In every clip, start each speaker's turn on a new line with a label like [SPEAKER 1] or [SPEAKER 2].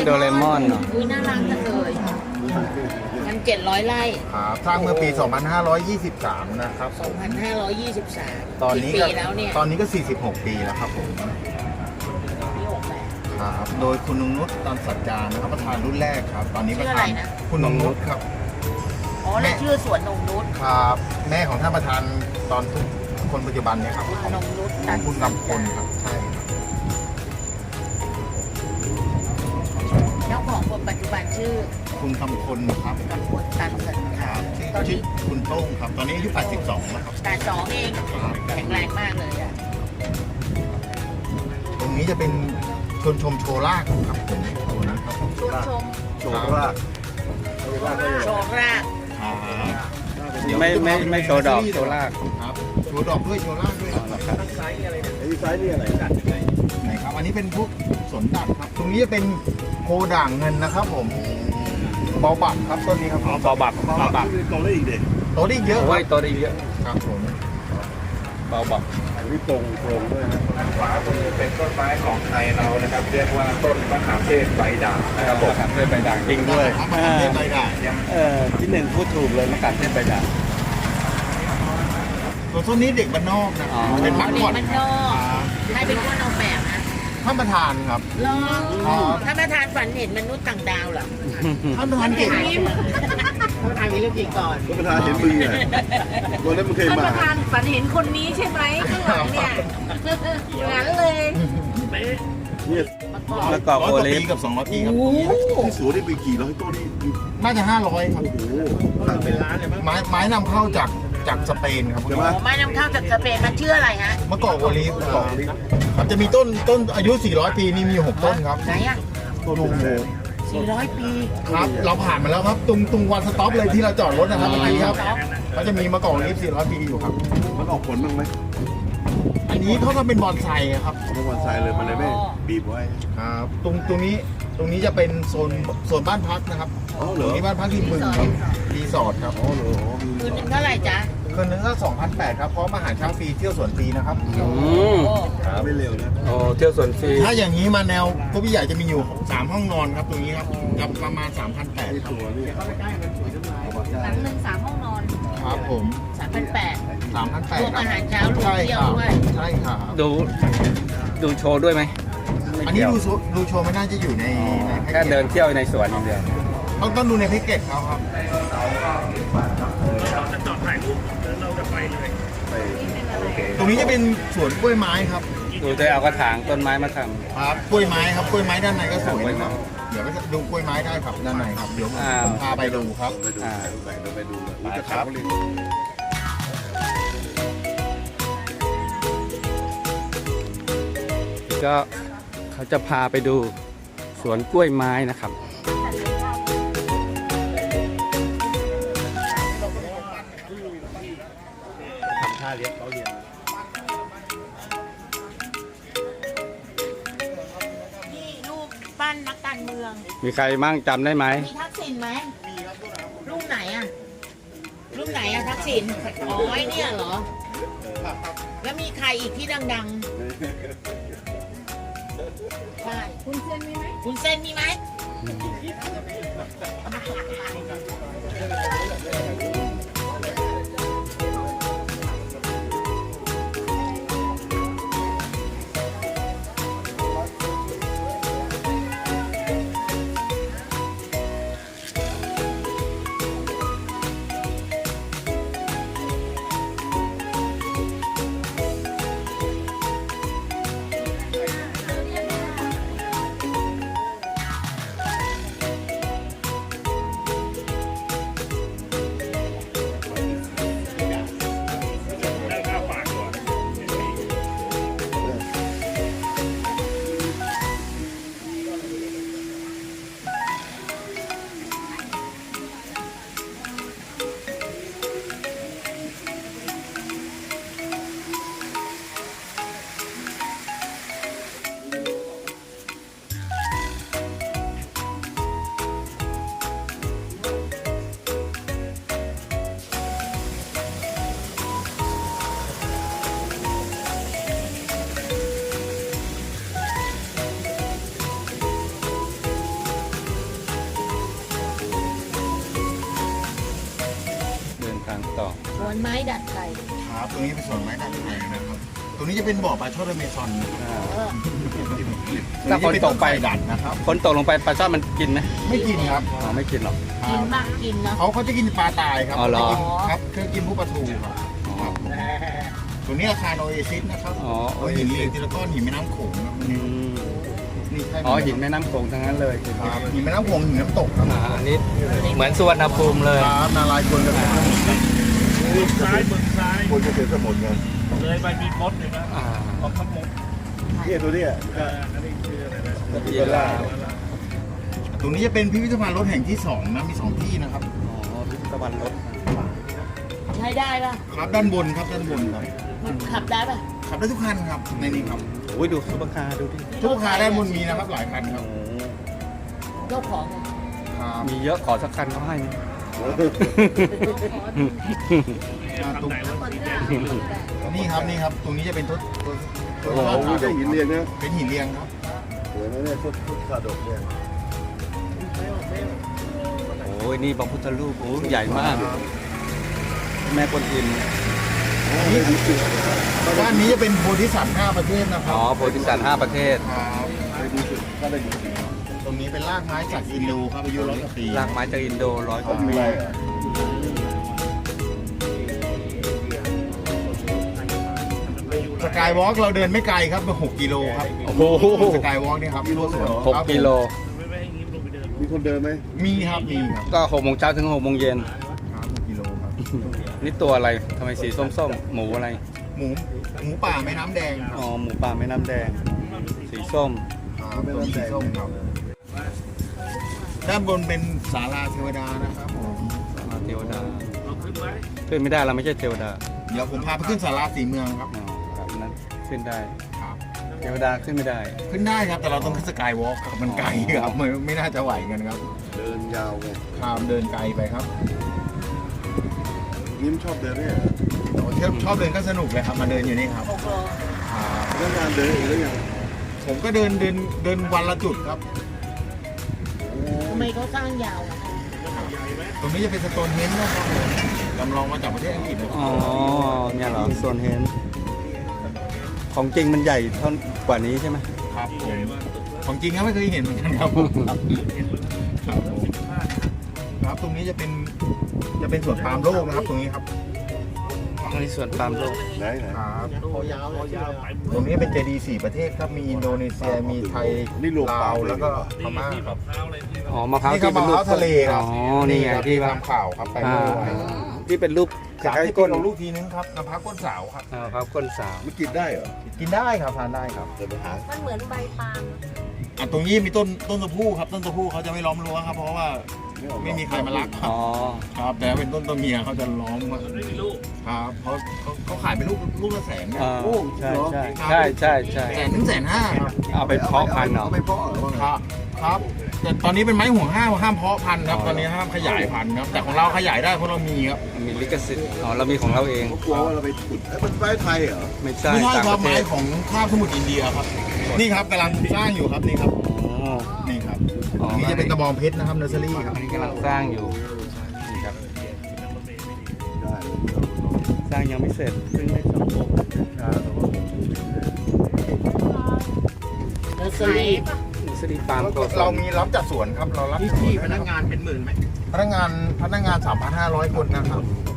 [SPEAKER 1] โดเรมอนเนาะ
[SPEAKER 2] อุ้ยน่ารักจังเลยมัน700 ไร่
[SPEAKER 3] ครับสร้างเมื่อปี 2523 นะครับผม
[SPEAKER 2] 2523
[SPEAKER 3] ตอนนี้
[SPEAKER 2] กี่
[SPEAKER 3] ก็
[SPEAKER 2] ปีแล้วเนี่ย
[SPEAKER 3] ตอนนี้ก็ 46 ปีแล้วครับผม
[SPEAKER 2] ปี68
[SPEAKER 3] ครับโดยคุณนงนุชตอนสัจจานะครับประธานรุ่นแรกครับ ตอนนี้ประ
[SPEAKER 2] ชื่ออะ
[SPEAKER 3] ธา
[SPEAKER 2] ไร
[SPEAKER 3] น
[SPEAKER 2] นะ
[SPEAKER 3] คุณนงนุชครับ
[SPEAKER 2] อ๋อแล้วชื่อสวนนงนุช
[SPEAKER 3] ครับแม่ของท่านประธานตอนคนปัจจุบันเนี่ยครับของ
[SPEAKER 2] นงนุช
[SPEAKER 3] ของคุณกำพลครับใช่ครับ
[SPEAKER 2] เจ้าของคนปัจจุบันชื่อ
[SPEAKER 3] คุณกำพลครับ
[SPEAKER 2] กำพลตันสัน
[SPEAKER 3] ค
[SPEAKER 2] ค่ะ
[SPEAKER 3] รับชื่อคุณโต้งครับ ตอนนี้อายุ 82 แล้วครับ
[SPEAKER 2] แต่สองเอง
[SPEAKER 3] ครับ
[SPEAKER 2] แข็งแรงมากเลยอ่ะ
[SPEAKER 3] ตรงนี้จะเป็นชวนชมโชว์ลากครับผมตรงนี้ครับ
[SPEAKER 2] ชวนชม
[SPEAKER 3] โชว์ลาก
[SPEAKER 2] โชว์ราก
[SPEAKER 3] ครับ
[SPEAKER 1] ไม่โชว์ดอกโชว์ราก
[SPEAKER 3] ครับโชว์ดอกด้วยโชว์ลากด้วยครับ
[SPEAKER 4] ซ้ายนี่อะไรดัดยังไง
[SPEAKER 3] ไหนครับอันนี้เป็นพวกสนดัดครับ ตรงนี้จะเป็นโคด่างเงินนะครับผมเบาบักครับต้นนี้ครับ
[SPEAKER 1] เบาบัก
[SPEAKER 4] นี่โตได้อีกเด็ก
[SPEAKER 3] โตได้เยอะค
[SPEAKER 1] โอ้
[SPEAKER 3] รั
[SPEAKER 1] ย
[SPEAKER 3] บ
[SPEAKER 1] ตัวได้เยอะ
[SPEAKER 3] ครับผม
[SPEAKER 1] เบาบัก
[SPEAKER 4] อันนี้โปร่งด้วยนะ
[SPEAKER 5] ด้านขวามือเป็นต้นไม้ของไทยเรานะครับ เรียกว่าต้นมะขามเทศใบด่างนะครับผม
[SPEAKER 1] มะขามเทศใบด่างจริงด้วย
[SPEAKER 3] ครับมะขามเทศใบด่าง
[SPEAKER 1] ที่หนึ่งพูดถูกเลยมะขามเทศใบด่าง
[SPEAKER 3] ส่วนต้นนี้เด็กบ้านนอกนะ
[SPEAKER 1] อ๋อ
[SPEAKER 3] เป็นมัก
[SPEAKER 2] เด็ก
[SPEAKER 3] ก่อน
[SPEAKER 2] มันนอกใครเป็นคนออกแบบนะ
[SPEAKER 3] ท่านประธานครับ
[SPEAKER 2] ลอง
[SPEAKER 3] อ๋อ
[SPEAKER 2] ถ้าประธานฝันเห็นมนุษย์ต่างดาวเหรอ
[SPEAKER 3] ท่านประธานเก่ง
[SPEAKER 2] ท่านประธานมีเรื่องจริงก่อน
[SPEAKER 4] ก็ประธานเห็นมือไงวันนั้นมันเคย
[SPEAKER 6] ท่าน
[SPEAKER 4] มา
[SPEAKER 6] ประธานฝันเห็นคนนี้ใช่ไหมข้างหลังเนี่ยอย่างนั้นเลย
[SPEAKER 4] เนี่ย
[SPEAKER 1] มะกอก
[SPEAKER 3] ร้อย
[SPEAKER 1] โอก
[SPEAKER 3] ว่า
[SPEAKER 1] ลิ
[SPEAKER 3] ปี
[SPEAKER 1] ฟ
[SPEAKER 3] กับ200 ปีครับ
[SPEAKER 4] ที่สวนนี่ไปกี่ร้อยต้นนี่
[SPEAKER 3] น่าจะ500ครับ
[SPEAKER 4] โอ้โหตั้งเป็นล้านเลยมั้ง
[SPEAKER 3] ไม้นำเข้าจากสเปนครับ
[SPEAKER 4] ใช่ไหม
[SPEAKER 2] โอ้ไม้นำเข้าจากสเปนมันชื่ออะไรฮะ
[SPEAKER 3] มะกอกโอลิฟครับจะมีต้นอายุ 400 ปีนี่มีอยู่6ต้นครับ
[SPEAKER 2] ไหนอ่ะ
[SPEAKER 4] ต้นเป็นแสน
[SPEAKER 2] 400 ปี
[SPEAKER 3] ครับ เราผ่านมาแล้วครับตรงวันสต็อปเลยที่เราจอดรถนะครับเมื่อกี้ครับเขาจะมีมะกอกโอลิฟ400 ปีอยู่ครับ
[SPEAKER 4] มันออกผลบ้างไหม
[SPEAKER 3] อันนี้เขาก็เป็นบอนไซครับ
[SPEAKER 4] เมื่อวันทรายเลยมันเลยไม่บีบไว้
[SPEAKER 3] ครับตรงนี้จะเป็นโซนบ้านพักนะครับ
[SPEAKER 4] อ๋อเหร
[SPEAKER 3] ตร
[SPEAKER 4] อง
[SPEAKER 3] นี้บ้านพักริมบึงครับรีสอร์ทครับ
[SPEAKER 4] อ๋อเหรอ
[SPEAKER 2] คืนหนึ่งเท่าไหร่จ๊ะ
[SPEAKER 3] คืนนึงก็2,800ครับพร้อมอาหารเช้าฟรีเที่ยวสวนฟรีนะครับ
[SPEAKER 1] อืม
[SPEAKER 2] โอ้
[SPEAKER 4] ไม่เร็วนะ
[SPEAKER 1] โอ้เที่ยวสวนฟรี
[SPEAKER 3] ถ้าอย่างนี้มาแนวก็พี่ใหญ่จะมีอยู่3ห้องนอนครับตรงนี้ครับจะประมาณ3,800
[SPEAKER 4] นี่
[SPEAKER 3] ครับ
[SPEAKER 4] ตัวนี่
[SPEAKER 6] หลังหนึ่ง3 ห้องนอน
[SPEAKER 3] ครับผม
[SPEAKER 2] 3,800
[SPEAKER 3] 3,800
[SPEAKER 2] รวมอาหารเช้ารวม
[SPEAKER 3] ใช่
[SPEAKER 2] เที่
[SPEAKER 3] ค
[SPEAKER 2] ยว
[SPEAKER 3] รับ
[SPEAKER 2] ด้วย
[SPEAKER 3] ใช่ครับ
[SPEAKER 1] ดูโชว์ด้วยไหม
[SPEAKER 3] อันนี้ดูโชว์ไม่น่าจะอยู่ใน
[SPEAKER 1] แค่เดินเที่ยวในสวนอย่างเดียว
[SPEAKER 3] ต้องดูในแพ็กเกจเขาครับ
[SPEAKER 4] ไป
[SPEAKER 3] ตรงนี้จะเป็นสวนกล้วยไม้ครับ
[SPEAKER 1] ดูจะเอากระถางต้นไม้มาท
[SPEAKER 3] ครับกล้วยไม้ครับกล้วยไม้ด้านในก็สวยนะครับเดี๋ยวไปดูกล้วยไม้ได้ครับด้านในครับเดี๋ยวผมพาไปดูครับ
[SPEAKER 4] ไปดูไปดูไปดู
[SPEAKER 3] ครับ
[SPEAKER 1] ำก็เขาจะพาไปดูสวนกล้วยไม้นะครับ
[SPEAKER 4] ทำท่าเลี้ยงเขาเลี้ยง
[SPEAKER 2] นี่รูปปั้นนักการเมือง
[SPEAKER 1] มีใครมั่งจำได้ไหม
[SPEAKER 2] มีทักษิณไหมรูปไหนอ่ะ รูปไหนอ่ะทักษิณอ๋อไอ้เนี่ยเหรอ แล้วมีใครอีกที่ดังๆใช่
[SPEAKER 6] คุณเซนมีไหม
[SPEAKER 2] คุณเส้นมีไหม
[SPEAKER 1] ต่อ
[SPEAKER 2] สวนไม้ดัดไก่
[SPEAKER 3] ครับตรงนี้เป็นสวนไม้ดัดไม้นะครับตรงนี้จะเป็นบ่อปลาช่อนอเมซอน
[SPEAKER 2] เออ
[SPEAKER 1] ถ้าฝนตกไป
[SPEAKER 3] ดัดนะครับ
[SPEAKER 1] ฝนตกลงไปปลาช่อนมันกินไหม
[SPEAKER 3] ไม่กินครับ
[SPEAKER 1] อ๋อไม่กินหรอก
[SPEAKER 2] กินมากกินเนาะ
[SPEAKER 3] เขาจะกินปลาตายครับ
[SPEAKER 1] อ๋อเหรอ
[SPEAKER 3] ไม่กินครับคือกินพวกปลาทูครับ
[SPEAKER 1] อ๋อ
[SPEAKER 3] ตัวนี้อาคารโอเอซิสนะครับ
[SPEAKER 1] อ๋อ
[SPEAKER 3] เอาหินเรียงทีละก้อนหินแม่น้ำโขงครับ
[SPEAKER 1] อืม
[SPEAKER 3] นี่ใช่
[SPEAKER 1] อ๋อหินแม่น้ำโขงทั้งนั้นเลย
[SPEAKER 3] ครับหินแม่น้ำโขงหินน้ำตกครับ
[SPEAKER 1] อันนี้เหมือนสุวรรณภูมิเลย
[SPEAKER 3] ครับนารายณ์กวนกัน
[SPEAKER 4] มือซ้ายมือซ้าย
[SPEAKER 3] กวนกันเสียสมุนไง
[SPEAKER 4] เลยไปมีมดเลยนะ
[SPEAKER 1] อ่า
[SPEAKER 4] ออกขมกเนี่ยตัวเนี้ยอันนี้คืออะไรนะ
[SPEAKER 1] ยีราฟ
[SPEAKER 3] ตรงนี้จะเป็นพิพิธภัณฑ์รถแห่งที่2นะมี2ที่นะครับ
[SPEAKER 1] อ๋อพิพิธภัณฑ์รถ
[SPEAKER 2] ใช้ได้ป่ะ
[SPEAKER 3] ครับด้านบนครับด้านบนครับ
[SPEAKER 2] มันขับได้ป่ะ
[SPEAKER 3] ขับได้ทุกคันครับในนี้ครับ
[SPEAKER 1] โอ้ยดูซุปเปอร์คาร์ดูดิ
[SPEAKER 3] ทุกคาร์ด้านบนมีนะครับหลายคันครับ
[SPEAKER 1] โอ้
[SPEAKER 2] เจ้าของอะ
[SPEAKER 3] ครับ
[SPEAKER 1] มีเยอะขอสักคันเขาให้ไหม
[SPEAKER 3] ตรงนี่ครับตรงนี้จะเป็นทศ
[SPEAKER 4] โอ้โหไม่ใช่หินเรียงนะ
[SPEAKER 3] เป็นหินเรียงครับ
[SPEAKER 4] สวยนะเนี่ยทุกขาดกเนี่ย
[SPEAKER 1] โอ้ยนี่พระพุทธรูปโอ้ยใหญ่มาก แม่กวนอิม
[SPEAKER 3] ด้านนี้จะเป็นโพธิสัตว์5ประเทศนะครั
[SPEAKER 1] อ๋อโพธิสัตว์5ประเทศ
[SPEAKER 3] ครับตรงนี้เป็นรากไม้จากอินโดครับอายุ100 กว่าปี
[SPEAKER 1] รากไม้จากอินโด100 กว่าปี
[SPEAKER 3] สกายวอล์กเราเดินไม่ไกลครับเป็น6 กิโลครับ
[SPEAKER 1] โอ้โห
[SPEAKER 3] สกายวอล์กนี่ครับทั่วสวน
[SPEAKER 1] 6 กิโล
[SPEAKER 4] มีคนเดินไหม
[SPEAKER 3] มีครับมีครับ
[SPEAKER 1] ก็6 โมงเช้าถึง6 โมงเย็น
[SPEAKER 3] ครับ6 กิโลครับ
[SPEAKER 1] นี่ตัวอะไรทำไมสีส้มๆ หมูอะไร
[SPEAKER 3] หมูป่าแม่น้ำแดงครับ
[SPEAKER 1] อ๋อ หมูป่าแม่น้ำแดง สีส้ม
[SPEAKER 3] ครับเป็นสีส้มครับด้านบนเป็นศาลาเทวดานะครับผม
[SPEAKER 1] เทวดาขึ้นไม่ได้เราไม่ใช่เทวดา
[SPEAKER 3] เดี๋ยวผมพาไปขึ้นศาลาสีเมืองครับ
[SPEAKER 1] อ๋อครับนั้นขึ้นได้
[SPEAKER 3] ครับ
[SPEAKER 1] เทวดาขึ้นไม่ได้
[SPEAKER 3] ขึ้นได้ครับแต่เราต้องขึ้นสกายวอล์กครับมันไกลครับไม่น่าจะไหวกันครับ
[SPEAKER 4] เดินยาวไง
[SPEAKER 3] ครับเดินไกลไปครับ
[SPEAKER 4] ยิ้มชอบเดินเนี่ย
[SPEAKER 3] ชอบเดินก็สนุกเลยครับมาเดินอยู่นี่ครับ
[SPEAKER 2] 6 โล
[SPEAKER 3] ครับ
[SPEAKER 4] เรื่องงานเดินอีกแล้วยัง
[SPEAKER 3] ผมก็เดินวันละจุดครับ
[SPEAKER 2] ทำไมเขาสร้างยาวอะ
[SPEAKER 3] ตรงนี้จะเป็นสโตนเฮนจ์นะครับผมจำลองมาจากประเทศอังกฤษเลย
[SPEAKER 1] อ๋อ เนี่ยเหรอโซนเฮนของจริงมันใหญ่เท่ากว่านี้ใช่ไหม
[SPEAKER 3] ครับผมของจริงก็ไม่เคยเห็นเหมือนกันครับผมครับผมครับตรงนี้จะเป็นสวนปาล์มโลกนะครับ ตรงนี้ครับ
[SPEAKER 1] อันนี้ส่วนปาล์มโลก
[SPEAKER 4] ไหน
[SPEAKER 3] ครับตรงนี้เป็นเจดีย์4 ประเทศครับมีอินโดนีเซียมีไทยลาวแล้วก็พม่าครับ
[SPEAKER 1] อ๋อ มะพร้าว
[SPEAKER 3] นี่ครับ
[SPEAKER 1] ที่เป็นรูป
[SPEAKER 3] มะพร้าวทะเลครับ
[SPEAKER 1] อ๋อ นี่ไงที่ว่า
[SPEAKER 3] ทำข่าวครับไป
[SPEAKER 1] อ่า
[SPEAKER 3] เมื่อวาน
[SPEAKER 1] ที่เป็นรูป
[SPEAKER 3] สาม
[SPEAKER 1] คล้าย
[SPEAKER 3] ที่
[SPEAKER 1] ๆ
[SPEAKER 3] ก้
[SPEAKER 1] ก้
[SPEAKER 3] น
[SPEAKER 1] น
[SPEAKER 3] ของลูกทีนึงครับน้ำพักก้นสาวครับ
[SPEAKER 1] อ่าครับก้นสาว
[SPEAKER 4] มันกินได้เหรอ
[SPEAKER 3] กินได้ครับทานได้ครับ
[SPEAKER 4] เดินไปหา
[SPEAKER 6] มันเหมือนใบปาล์ม
[SPEAKER 3] อ่ะตรงนี้มีต้นตะพูครับต้นตะพูเขาจะไม่ล้อมรั้วครับเพราะว่าไม่มีใครมารักครับ
[SPEAKER 1] อ๋อ
[SPEAKER 3] ครับแต่ถ้าเป็นต้นตัวเมียเขาจะล้อมครับเขาขายเป็นลูกละแสนนะ
[SPEAKER 1] อ่าใช่ใช่ใช่ใช่ใช่
[SPEAKER 3] 1,000,000-1,500,000ครับ
[SPEAKER 1] เอาไปเพาะพันธุ์เหรอ
[SPEAKER 4] เอาไปเพาะเหรอ
[SPEAKER 3] ครับครับแต่ตอนนี้เป็นไม้ห่วงห้ามเพาะพันธุ์ครับ
[SPEAKER 1] อ๋อ
[SPEAKER 3] ตอนนี้ห้ามขยายพันธุ์ครับแต่ของเราขยายได้เพราะเรามีครับ
[SPEAKER 1] มีลิขสิทธิ์ อ๋อ เรามีของเราเอง
[SPEAKER 4] เขากลัวว่าเราไปขุดเอ้ยมันไม้ไทยเหรอ
[SPEAKER 1] ไม่ใช่
[SPEAKER 3] ไม่ใช่
[SPEAKER 1] ต่าง
[SPEAKER 3] ค
[SPEAKER 1] ป
[SPEAKER 3] รับ
[SPEAKER 1] ระเท
[SPEAKER 3] ไม้
[SPEAKER 1] ศ
[SPEAKER 3] ของคาบสมุทรอินเดียครับ นี่ครับกำลังสร้างอยู่ครับนี่ครับ
[SPEAKER 1] อ๋อ
[SPEAKER 3] นี่ครับ
[SPEAKER 1] อ๋อ
[SPEAKER 3] อันนี้จะเป็นตะบองเพชรนะครับเนอร์เซอรี่ครับ
[SPEAKER 1] อันนี้กำลังสร้างอยู่ นี่ครับ
[SPEAKER 4] ได้
[SPEAKER 1] สร้างยังไม่เสร็จเพิ่งได้2 องค์ครับ
[SPEAKER 2] เนอร์เซอรี่
[SPEAKER 1] นี่สรีปาล์มโกศล
[SPEAKER 3] เรามีรับจัดสวนครับเรารับจัดสวนพนักงานเป็นหมื่นไหมพนักงาน 3,500 คนนะครับ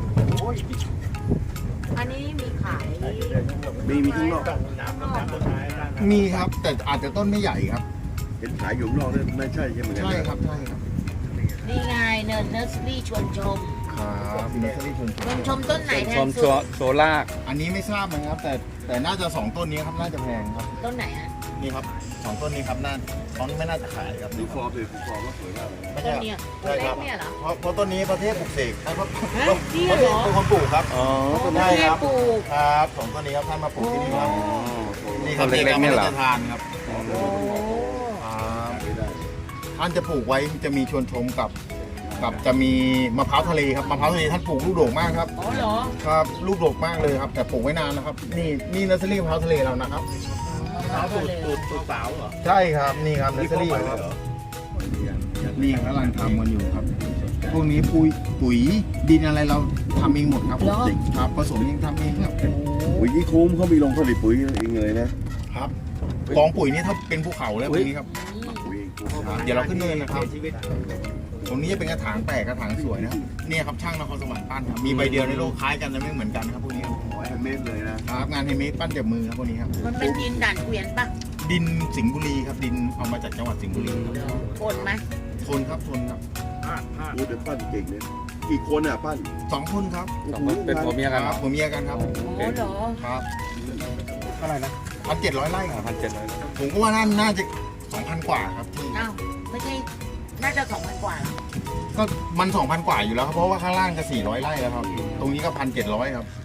[SPEAKER 6] อันนี้มีขาย
[SPEAKER 4] มีข้างนอก
[SPEAKER 3] มีครับแต่อาจจะต้นไม่ใหญ่ครับ
[SPEAKER 4] เห็นขายอยู่ข้างนอกเนี่ยไม่ใช่ใช่ไหม
[SPEAKER 3] ใช่ครับใช่ครับ
[SPEAKER 2] นี่ไงเนอร์เซอรี่ชวนชม
[SPEAKER 3] ครับเนอร์เซอรี่ชวน
[SPEAKER 2] ชวนชมต้นไหนแพ
[SPEAKER 1] ช
[SPEAKER 2] ง
[SPEAKER 1] ม
[SPEAKER 2] สุด
[SPEAKER 1] โซลาก
[SPEAKER 3] อันนี้ไม่ทราบนะครับแต่น่าจะ2 ต้นนี้ครับน่าจะแพงครับ
[SPEAKER 2] ต้นไหนอ่ะ
[SPEAKER 3] นี่ครับ2 ต้นนี้ครับน่าเขาไม่น่าจะขายครับ
[SPEAKER 4] ดูฟอร์มเลยดูฟอร์มว่าสวยมากเลย
[SPEAKER 3] ไม่
[SPEAKER 2] ต้
[SPEAKER 3] ใช่
[SPEAKER 2] นเนี้ย
[SPEAKER 3] ใช่ครับ
[SPEAKER 6] เนี่ยเหรอ
[SPEAKER 3] เพราะต้นนี้ประเทศปลูกเสกเพราะ
[SPEAKER 2] ฮะจริงเหรอ
[SPEAKER 3] เป็นคนปลูกครับ
[SPEAKER 1] อ๋อ
[SPEAKER 2] ต้น
[SPEAKER 3] ใช่
[SPEAKER 2] เนี้
[SPEAKER 3] ค
[SPEAKER 2] ย
[SPEAKER 3] รับ
[SPEAKER 2] ปลูก
[SPEAKER 3] ครับ2 ต้นนี้ครับท่านมาปลูกที่นี่ครับนี่ค
[SPEAKER 1] ต้
[SPEAKER 3] รับ
[SPEAKER 1] นเล็กๆเนี่ยเหรอ
[SPEAKER 3] จะทานครับ
[SPEAKER 2] โอ้
[SPEAKER 3] ครับ
[SPEAKER 4] ไม่ได้
[SPEAKER 3] ท่านจะปลูกไว้จะมีชวนชมกับจะมีมะพร้าวทะเลครับมะพร้าวทะเลท่านปลูกลูกโด่งมากครับ
[SPEAKER 2] อ๋อเหรอ
[SPEAKER 3] ครับลูกโด่งมากเลยครับ แต่ปลูกไว้นานนะครับ นี่เนอร์เซอรี่มะพร้าวทะเลเรานะครับ
[SPEAKER 4] ตูดสาวเหรอ
[SPEAKER 3] ใช่ครับนี่ครับเนอร์เซอรี่
[SPEAKER 4] เข้าไป
[SPEAKER 3] ค
[SPEAKER 4] เล
[SPEAKER 3] รับ
[SPEAKER 4] ยเหรอ
[SPEAKER 3] นี่กำลังทำกันอยู่ครับพวกนี้ปุ๋ยดินอะไรเราทำเองหมดครับครับผสมเองทำเองครับ
[SPEAKER 4] ปุ๋ยยี่คุ้มเขามีโรงผลิตปุ๋ยเองเลยนะครับ
[SPEAKER 3] กองปุ๋ยนี่ถ้าเป็นภูเขาแล้วพวกนี้ครับ
[SPEAKER 4] ปุ๋ยคุ้ม
[SPEAKER 3] เดี๋ยวเราขึ้นเนินนะครับตรงนี้จะเป็นกระถางแปลกกระถางสวยนะครับเนี่ยครับช่างนครสวรรค์ปั้นครับมีใบเดียวในโลกคล้ายกันแต่ไม่เหมือนกันครับพวกนี้ครับ
[SPEAKER 4] เม็ดเลยนะครับ
[SPEAKER 3] งานเฮมเมดปั้นจากมือครับพวกนี้ครับ
[SPEAKER 2] มันเป็นดินด่านเกวียนปะ
[SPEAKER 3] ดินสิงห์บุรีครับดินเอามาจากจังหวัดสิงห์บุรีครับ
[SPEAKER 2] ทนไหม
[SPEAKER 3] ทนครับทนครับ
[SPEAKER 4] โอ้เดี๋ยวปั้นเก่งเลยกี่คนอ่ะปั้น
[SPEAKER 3] 2 คนครับ
[SPEAKER 1] สองคนเป็นผัวเมียกัน
[SPEAKER 3] ค
[SPEAKER 1] เหร
[SPEAKER 3] รั
[SPEAKER 1] อบ
[SPEAKER 3] ผมเมียกันครับ
[SPEAKER 2] โอ้เหรอ
[SPEAKER 3] ครับ
[SPEAKER 1] เท่าไหร่นะ
[SPEAKER 3] 1,700 ไร่ครับ
[SPEAKER 1] 1,700
[SPEAKER 3] ผมก็ว่าน่าจะ 2,000 กว่าครับที่
[SPEAKER 2] อ้าวไม่ใช่น่าจะ2,000กว่า
[SPEAKER 3] ก็มัน 2,000 กว่าอยู่แล้วครับเพราะว่าข้างล่างก็400 ไร่แล้วครับตรงนี้ก็ 1,700 ครับ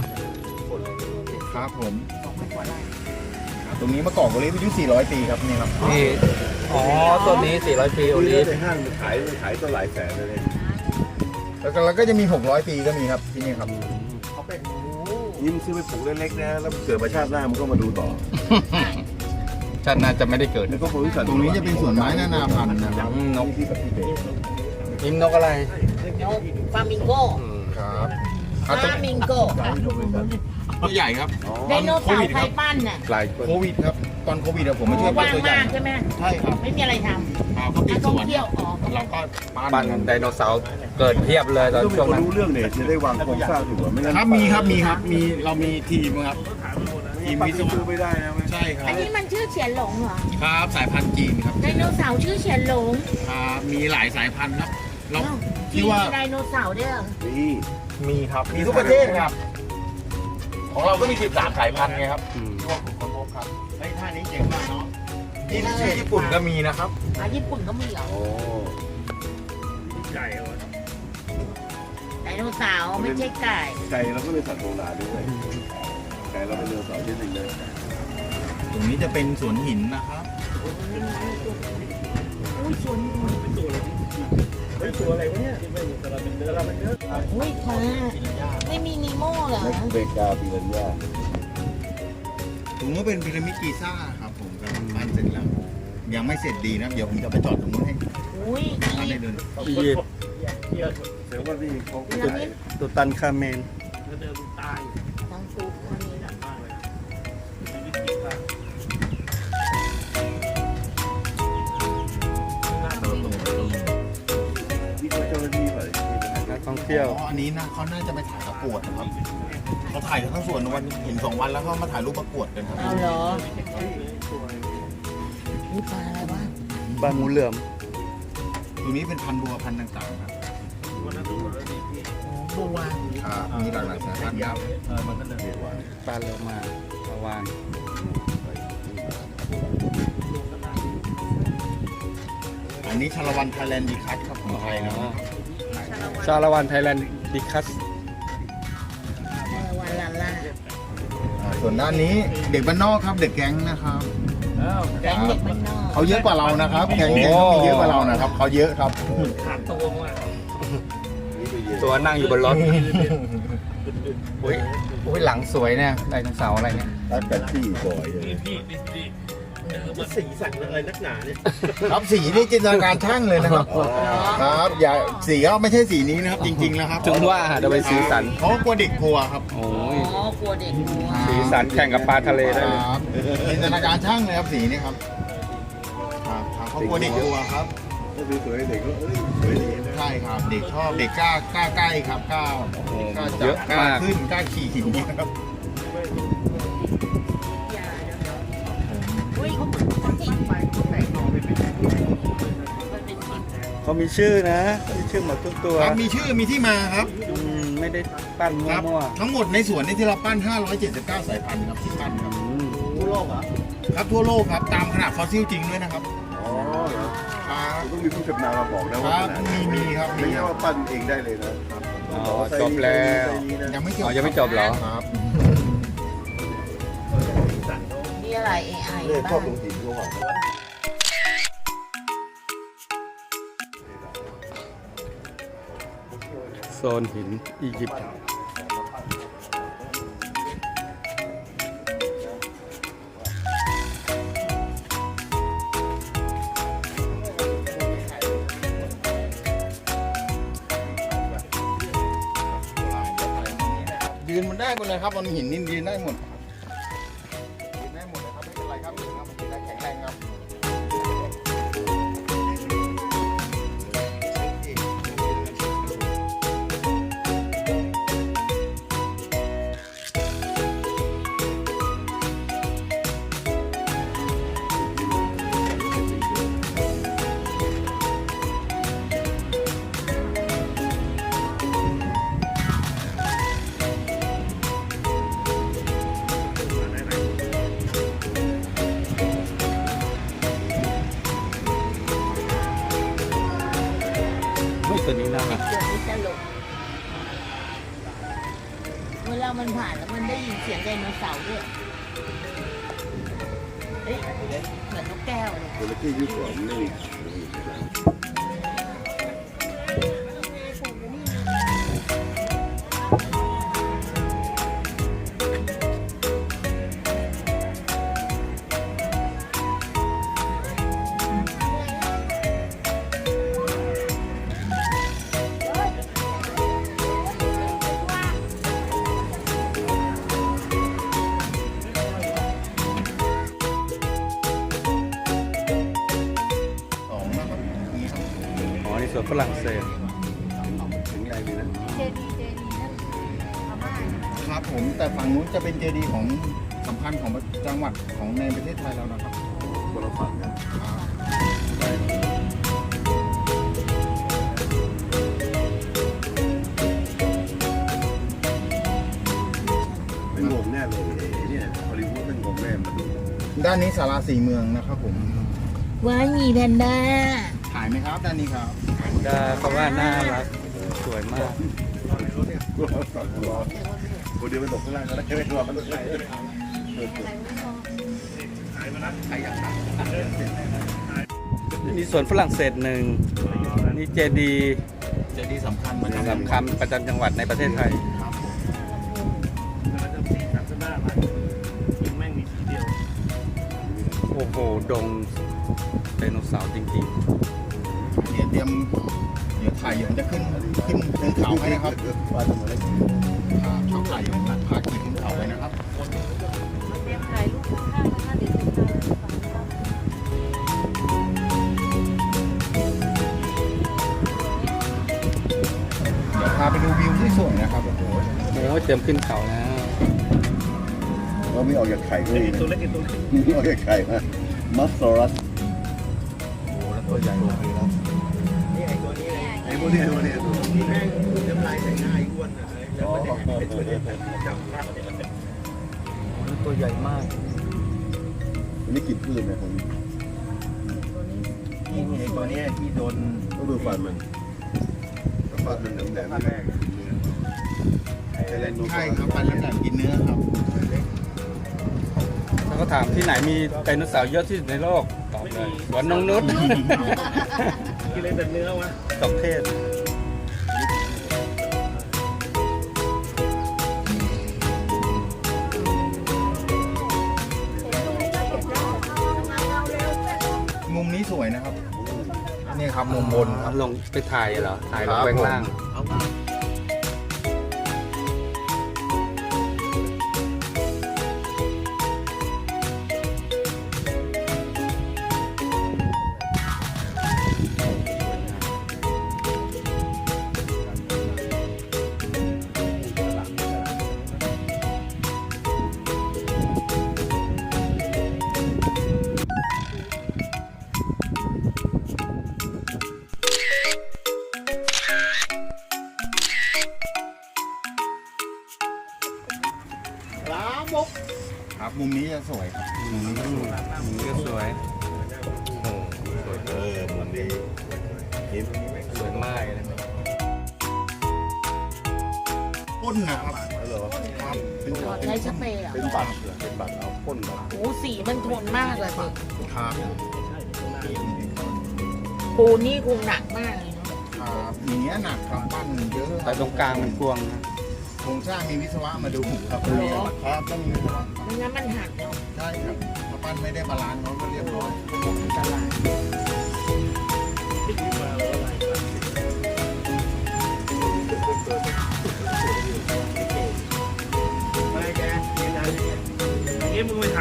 [SPEAKER 3] ครับผม
[SPEAKER 2] 2,000กว่าไร่
[SPEAKER 3] ตรงนี้มะกอกโอลิฟอายุ400 ปีครับนี่ครับ
[SPEAKER 1] นี่อ๋อต้นนี้400 ปีโอลิฟ
[SPEAKER 4] ในห้างมันขายก็หลายแสนเลย
[SPEAKER 3] แล้วก็จะมี600 ปีก็มีครับที่นี่ครับ
[SPEAKER 4] นี่มันซื้อไปปลูกเล็กๆนะแล้วเกิดมาชาติหน้ามันก็มาดูต่อ
[SPEAKER 1] ชาติหน่าจะไม่ได้เกิด
[SPEAKER 4] แล้วก็บริษัท
[SPEAKER 3] ตรงนี้จะเป็นสวนไม้นานาพันธุ์นะครับ
[SPEAKER 1] นก
[SPEAKER 4] ที่กับที่เบส
[SPEAKER 1] ยิ้มนกอะไร
[SPEAKER 2] นกฟามิงโก
[SPEAKER 3] ครับ
[SPEAKER 2] ฟามิงโก
[SPEAKER 3] ตัวใหญ่ครับ
[SPEAKER 2] ไดโนเสาร์ใครปั้นน่ะ
[SPEAKER 1] หลาย
[SPEAKER 3] โควิดครับตอนโควิดผมไม่ช่วยปั้น
[SPEAKER 2] ว่าง
[SPEAKER 3] ตัวใหญ่
[SPEAKER 2] มากใช่ไหม
[SPEAKER 3] ใช่ครับ
[SPEAKER 2] ไม่มีอะไรท
[SPEAKER 3] เขาปิ
[SPEAKER 2] ำ
[SPEAKER 3] ด
[SPEAKER 2] นัก
[SPEAKER 3] ส
[SPEAKER 2] ท่อง
[SPEAKER 3] วน
[SPEAKER 2] เที่ยวอ๋อ
[SPEAKER 3] เราก็
[SPEAKER 1] ปั้นไดโนเสาร์เกิดเพียบเลยตอน
[SPEAKER 4] ต้องมี
[SPEAKER 1] ช่วง
[SPEAKER 4] คน
[SPEAKER 1] นั้น
[SPEAKER 4] รู้เรื่องเนี่ยจะได้วางโครงสร้างถูกกว่าไม่งั้น
[SPEAKER 3] ครับมีเรามีทีมครับทีม
[SPEAKER 4] ปั้น
[SPEAKER 3] วิศ
[SPEAKER 4] ซื้อ
[SPEAKER 3] วะ
[SPEAKER 4] ไม่ได้นะ
[SPEAKER 3] ใช่ครั
[SPEAKER 2] อั
[SPEAKER 3] บ
[SPEAKER 2] นนี้มันชื่อเฉียนหลงเหรอ
[SPEAKER 3] ครับสายพันธุ์จีนครับ
[SPEAKER 2] ไดโนเสาร์ชื่อเฉียนหลง
[SPEAKER 3] ครับมีหลายสายพันธุ์ครับเรา
[SPEAKER 2] อ้าว
[SPEAKER 3] ที่ว่า
[SPEAKER 2] มีไดโนเสาร์ด้วยเหรอ
[SPEAKER 4] นี่
[SPEAKER 3] มีครับมีทุกประเทศครับ ของเราก็มี13สายพันธุ์ไงครับ
[SPEAKER 1] อืม
[SPEAKER 3] ทั่วขุนคนพบครับไอ้ท่านี้เจ๋งมากเนาะที่ชื่อญี่ปุ่นก็มีนะครับ
[SPEAKER 2] ญี่ปุ่นก็มีเหรอ
[SPEAKER 4] โอ้
[SPEAKER 2] ไดโนเสาร์ไม่ใช่ไก่
[SPEAKER 4] ไก่เราก็เป็นสัตว์โบราณด้วยไก่เราเป็นเรือเสาร์ชนิดหนึ่งเลย
[SPEAKER 3] ตรงนี้จะเป็นสวนหินนะครับ
[SPEAKER 2] อุ้ยสวนอุ้ยค่ะไม่มีนีโม่เหรอ
[SPEAKER 4] แม็กเบกาปิรันยา
[SPEAKER 3] ตรงนู้นเป็นพีระมิดกีซ่าครับผมกำลังปั้นเสร็จแล้วยังไม่เสร็จดีนะเดี๋ยวผมจะไปจอดตรงนู้นให้
[SPEAKER 2] อุ้ย
[SPEAKER 3] ท่านได้เดิน
[SPEAKER 1] อียิปต์
[SPEAKER 4] เสียว่านี่เขา
[SPEAKER 2] พีระมิด
[SPEAKER 1] ตุตันคาเมน
[SPEAKER 2] ทั้งซุปอันนี้
[SPEAKER 4] ที่เขาเจ้าหน้าที่ไป
[SPEAKER 1] นักท่องเที่ยว
[SPEAKER 3] อันนี้นะเขาน่าจะไปถ่ายประกวดนะครับเขาถ่ายกันทั้งส่วนวันเห็น2 วันแล้วเขามาถ่ายรูปประกวดกันครับ
[SPEAKER 2] เอาเหรอนี่ปลาอะไรวะ
[SPEAKER 1] บางงูเหลือม
[SPEAKER 3] ตรงนี้เป็นพันธุ์บัวพันธุ์ต่างๆครับ
[SPEAKER 2] บัว
[SPEAKER 3] ครับมีหลากหลายสายพันธุ์ครับ
[SPEAKER 1] ปลาโลมามาวาง
[SPEAKER 3] อันนี้ชาละวันไทยแลนด์ดีคัทครับของไทยนะครับ
[SPEAKER 1] ชาละวันไทยแลนด์ดิคัส
[SPEAKER 2] วันลาล่า
[SPEAKER 3] ส่วนด้านนี้เด็กบ้านนอกครับเด็กแก๊งนะครับ
[SPEAKER 2] แก๊งเด็กบ้านนอก
[SPEAKER 3] เขาเยอะกว่าเรานะครับแก๊งเขามีเยอะกว่าเรานะครับเขาเยอะครับ
[SPEAKER 1] ตัวนั่งอยู่บนรถอุ้ยอุ้ยหลังสวยเนี่ยไดโนเสาร์อะไรเนี่ย
[SPEAKER 4] รักกันที่บ่อยเลย
[SPEAKER 3] ครับสีนี่จินตนาการช่างเลยนะครับครับอย่าสีก็ไม่ใช่สีนี้นะครับ จริงๆแล้วครับ
[SPEAKER 1] ถึงว่าจะไปสีสัน
[SPEAKER 3] เขากลัวเด็กกลัวครับ
[SPEAKER 1] โอ้
[SPEAKER 2] อ๋
[SPEAKER 1] ย
[SPEAKER 2] อกลัวเด็กกลัว
[SPEAKER 1] สีสันแข่งกับปลาทะเลได้เลย
[SPEAKER 3] ครับจินตนาการช่างเลยครับสีนี่ครับครับเขากลัวเด็กกลัวครับ
[SPEAKER 4] ก็คือสวยเด็กก็สวยดีนะ
[SPEAKER 3] ใช่ครับเด็กชอบเด็กกล้าใกล้ครับกล้าจับกล้าขึ้นกล้าขี่หินนี่ครับ
[SPEAKER 2] อย่าเดี๋ยวอุ้ยเขาติดไฟเขาแต่งนอนไปเป็นมันเป็นหิน
[SPEAKER 1] เขามีชื่อนะมีชื่อหมดทุกตัว
[SPEAKER 3] ครับมีชื่อมีที่มาครับ
[SPEAKER 1] ไม่ได้ปั้น
[SPEAKER 3] ครับ
[SPEAKER 1] มั่ว
[SPEAKER 3] ทั้งหมดในสวนนี่ที่เราปั้น 579 สายพันธุ์ครับที่ปั้นครับ
[SPEAKER 1] ๆอืม
[SPEAKER 4] ทั่วโลกเหรอ
[SPEAKER 3] ครับทั่วโลกครับตามขนาดฟอสซิลจริงด้วยนะครับ
[SPEAKER 4] อ๋อเหรอ
[SPEAKER 3] ครับ
[SPEAKER 4] ต้องมีผู้ชำนาญมาบอกนะ
[SPEAKER 3] ค
[SPEAKER 4] ว่า
[SPEAKER 3] รับ
[SPEAKER 4] ขนาด
[SPEAKER 3] มีครับ
[SPEAKER 4] ไม่
[SPEAKER 3] มี
[SPEAKER 4] ใช่
[SPEAKER 3] ครับ
[SPEAKER 4] ว่าปั้นเองได้เลยนะ
[SPEAKER 1] อ๋อจบแล้ว
[SPEAKER 3] ยังไม่จบ
[SPEAKER 1] อ๋อยังไม่จบเหรอ
[SPEAKER 3] ครับ
[SPEAKER 2] มีอะไร AI
[SPEAKER 4] เนี่ยชอ
[SPEAKER 2] บ้า
[SPEAKER 4] บ
[SPEAKER 2] ง
[SPEAKER 4] ลงหินเขาบอก
[SPEAKER 1] โซนหินอียิปต์
[SPEAKER 3] มันได้หมดเลยครับมันหินนินดินได้หมดกินได้หมดเลยครับไม่เป็นไรครับมันกินได้แข็งแรงครับ
[SPEAKER 1] ตัวนี้น่ารัก
[SPEAKER 2] เดี๋ยวนี้ตลกเวลามันผ่านแล้วมันได้ยินเสียงไดโนเสาร์ด้วยเฮ้ยเหมือนนกแก้วเลย
[SPEAKER 4] จระเข้ยุคก่อนนี่
[SPEAKER 3] สองนะครับนี่ครับ
[SPEAKER 1] อ๋อนี่สวนฝรั่งเศส
[SPEAKER 4] แข็งแรงดีนะ
[SPEAKER 6] เจดีนั่นพม่าใช่ไหม
[SPEAKER 3] ครับผมแต่ฝั่งนู้นจะเป็นเจดีย์ของสำคัญของจังหวัดของในประเทศไทยเรานะครับ
[SPEAKER 4] คนละฝั่งกัน เป็นงงแน่เลยไอ้เนี่ยฮอลลีวูดเป็นงงแน่มาดู
[SPEAKER 3] ด้านนี้ศาลาสี่เมืองนะครับผม
[SPEAKER 2] ว้ายมีแพนด้า
[SPEAKER 3] ถ่ายไหมครับด้านนี้ครับ
[SPEAKER 1] ได้เพราะว่าน่ารักสวยมาก
[SPEAKER 4] คนเดียวไปตกข้างล่างก็ได้ไม่รอมันตกไหน
[SPEAKER 1] นี่สวนฝรั่งเศสหนึ่งนี่เจดีย์
[SPEAKER 3] เจดีย์สำคัญประจำ
[SPEAKER 1] สำคัญประจำจังหวัดในประเทศไทย
[SPEAKER 3] ครับผม
[SPEAKER 1] โอ้โหดงไดโนเสาร์จริง
[SPEAKER 3] เดี๋ยวถ่ายเดี๋ยวจะขึ้นเขาให้นะครับ
[SPEAKER 4] ว่าทำอะไร
[SPEAKER 3] ชอบถ่ายพาขี่ขึ้นเขาไว้นะครับ
[SPEAKER 6] เตรียมถ่ายรูปข้างๆนะคะเดี๋ยวจะถ่าย
[SPEAKER 3] เดี๋ยวพาไปดูวิวที่สวยนะครับโอ้โห
[SPEAKER 1] ๆโอ้ยเตรียมขึ้นเขาแล้ว
[SPEAKER 4] เราไม่ออกจากไข่ก็ดีนะตัวเล็กตัวไม่ออกจากไข่นะมัสซอรัส
[SPEAKER 3] โอ้โหแล้วตัวใหญ่ลงไปแล้ว
[SPEAKER 4] ไอ้พวกนี้ตัวนี้ตัวแม่งน้ำลายใส่หน้าไอ้อ้วนอ่ะไอ้ตัวนี้จำภาพ
[SPEAKER 1] ตัวใหญ่มาก
[SPEAKER 4] อันนี้กินพืชนะผม
[SPEAKER 3] นี่ไอ้ตัวเนี้ยที่โดน
[SPEAKER 4] ต้องดูฟันมันฟันมันแหลมๆแรง
[SPEAKER 3] ใช่ครับปันแล้วแต่กินเนื้อครับ
[SPEAKER 1] แล้วก็ถามที่ไหนมีไดโนเสาร์เยอะที่สุดในโลกตอบเลยสวนนงนุช
[SPEAKER 4] กินอะไรแต่เนื้อวะ
[SPEAKER 1] ตกเทศ
[SPEAKER 3] มุมนี้สวยนะครับนี่ครับมุมบนครับ
[SPEAKER 1] ลงไปถ่ายเหรอ ถ่ายลงไปข้างล่าง
[SPEAKER 3] ครับมุมนี้จะสวยครับมุมนี้จะสวย
[SPEAKER 1] มันก็สวย
[SPEAKER 4] มันดี
[SPEAKER 1] สวยมากเลย
[SPEAKER 3] พ่นนะครับ
[SPEAKER 4] เหรอ
[SPEAKER 3] ครับเป็น
[SPEAKER 2] ขอใช้สเปรย์เหรอ
[SPEAKER 4] เป็นบัตรเหรอเป็นบัตรเอาพ่นมา
[SPEAKER 2] โอ้สีมันทนมากเลยสิ
[SPEAKER 3] ครับ
[SPEAKER 2] ปูนี่คงหนักมากเลยเนาะ
[SPEAKER 3] ครับอย่างเงี้ยหนักครับปั้นเยอะ
[SPEAKER 1] แต่ตรงกลางมันกวางนะ
[SPEAKER 3] โครงสร้างมีวิศวะมาดูครับครับต้องมีวิศวะ
[SPEAKER 2] ไม่งั้นมันหักเนาะ
[SPEAKER 3] ใช่ครับถ้าปั้นไม่ได้บาลานซ์เขาก็เรียบร้อย
[SPEAKER 2] ตลาด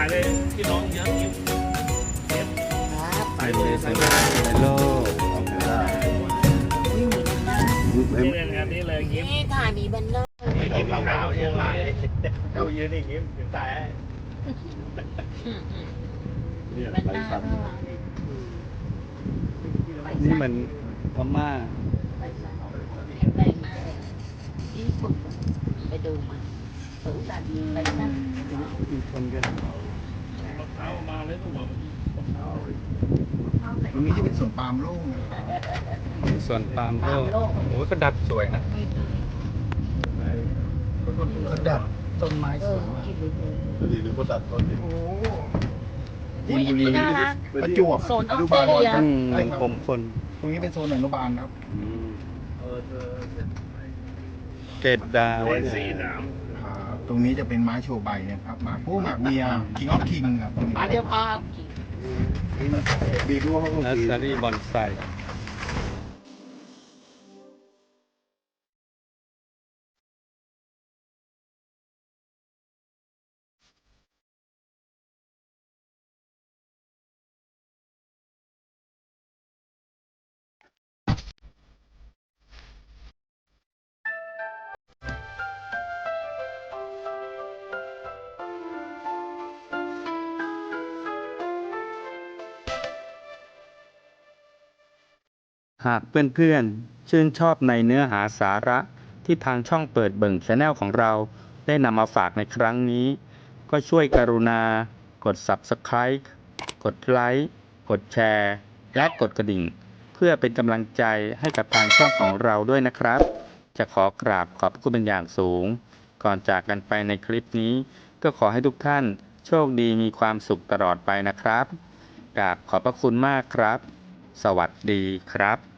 [SPEAKER 7] เลยพี่น้องเยอะยิ้ม
[SPEAKER 2] ครับ
[SPEAKER 1] ใส่เลยใส่ในโลก
[SPEAKER 2] วิ่งหนีกันหน้า
[SPEAKER 7] นี่เลยงานนี้เลยยิ้ม
[SPEAKER 2] นี่ถ่ายมีแบนเนอร์
[SPEAKER 4] ยิ้มขาวๆเนี่ยเขายืนอย่างงี้ถึงตาย
[SPEAKER 2] แบนหน้าด้วย
[SPEAKER 1] นี่มันพม่า
[SPEAKER 2] ไปมาญี่ปุ่นไปดูมาสูงสันไปนั่ง
[SPEAKER 1] มีคนกัน
[SPEAKER 7] เอามาเลยต้องบอก
[SPEAKER 3] ตรงนี้จะเป็นสวนปาล์มโล่งนะครับ
[SPEAKER 1] ส่วนปาล์มโลกโอ้ยก็ดัดสวยนะ
[SPEAKER 3] ก็ดัด
[SPEAKER 1] ต้นไม้สวยมาก
[SPEAKER 4] ดีดูคนตัดต้นดิ
[SPEAKER 3] จีนบุรี
[SPEAKER 6] น่ารัก
[SPEAKER 3] ประจวบ
[SPEAKER 6] โซนออสเตรเลีย
[SPEAKER 1] ผมคน
[SPEAKER 3] ตรงนี้เป็นโซนอนุบาลครับ
[SPEAKER 1] เกตดาว
[SPEAKER 7] สีหนาม
[SPEAKER 3] ตรงนี้จะเป็นไม้โชว์ใบนะครับหมากผู้หมากเมียคิงออฟคิงครับตรงนี้
[SPEAKER 2] เดี๋ยวพา
[SPEAKER 3] บีดูเขาก็
[SPEAKER 1] นัสซารีบอนไซหากเพื่อนๆชื่นชอบในเนื้อหาสาระที่ทางช่องเปิดเบิ่ง Channel ของเราได้นำมาฝากในครั้งนี้ ก็ช่วยกรุณากด Subscribe กดไลค์กดแชร์และกดกระดิ่ง เพื่อเป็นกำลังใจให้กับทางช่องของเราด้วยนะครับ จะขอกราบขอบพระคุณเป็นอย่างสูง ก่อนจากกันไปในคลิปนี้ ก็ขอให้ทุกท่านโชคดีมีความสุขตลอดไปนะครับกราบขอบพระคุณมากครับ สวัสดีครับ